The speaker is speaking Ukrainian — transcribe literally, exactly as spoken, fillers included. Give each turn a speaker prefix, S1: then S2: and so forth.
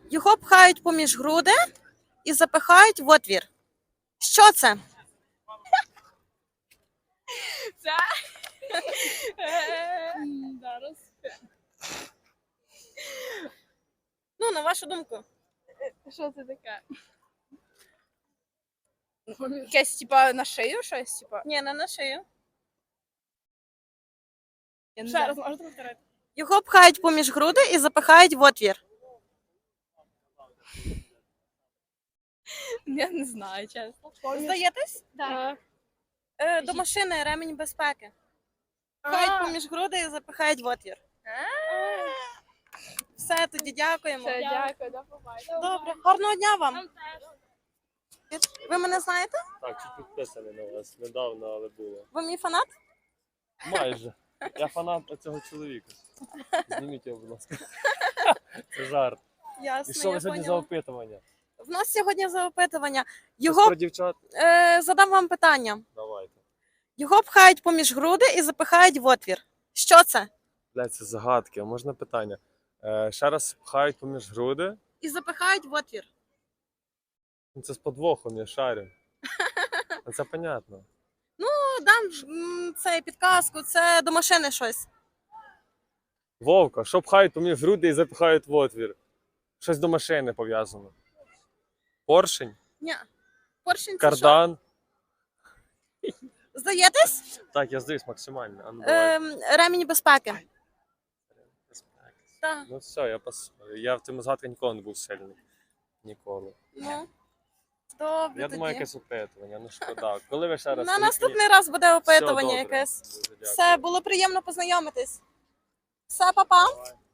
S1: Його пхають поміж груди і запихають в отвір. Що це?
S2: Це? Зараз.
S1: Ну, на вашу думку.
S2: Що це таке? Якесь, типа, на шию щось, типа?
S1: Ні, не на шию.
S2: Я не
S3: Ще
S2: знаю.
S3: раз можете повторити?
S1: Його пхають поміж груди і запихають в отвір.
S2: Я не знаю, чесно.
S1: Здаєтесь?
S2: Так.
S1: Е, до машини ремінь безпеки. Пхають поміж груди і запихають в отвір. Все, тоді дякуємо.
S2: Все, дякую, до побачення.
S1: Добре, гарного дня вам. Ви мене знаєте?
S4: Так, чуть підписаний на вас. Недавно, але було.
S1: Ви мій фанат?
S4: Майже. Я фанат цього чоловіка. Зніміть його, будь ласка. Це жарт.
S1: Ясно,
S4: І що
S1: я
S4: ви сьогодні за
S1: поняла.
S4: опитування?
S1: В нас сьогодні за опитування.
S4: Щось
S1: Його
S4: про дівчат?
S1: е, задам вам питання.
S4: Давайте.
S1: Його пхають поміж груди і запихають в отвір. Що це?
S4: Блядь, це загадки. А можна питання? Е, ще раз пхають поміж груди.
S1: І запихають в отвір.
S4: Ну, це з подвохом, я шарю. Ну, це понятно.
S1: Ну, дам ж, м, це підказку, це до машини щось.
S4: Вовка, що пхають поміж груди і запихають в отвір? Щось до машини пов'язано. Поршень?
S1: Ні. Поршень це що?
S4: Кардан?
S1: Здаєтесь?
S4: Так, я здаюсь максимально. А ну, давай.
S1: Ем, ремінь безпеки. Так.
S4: Ну все, я пас. Я в цьому згадку ніколи не був сильний. Ніколи.
S1: Ну, добре
S4: Я
S1: тоді.
S4: думаю, якесь опитування, ну шкода. Коли ви ще раз...
S1: На
S4: прийшли-
S1: наступний раз буде опитування
S4: Все добре.
S1: якесь.
S4: Дуже дякую.
S1: Все, було приємно познайомитись. Все, па-па.
S4: Давай.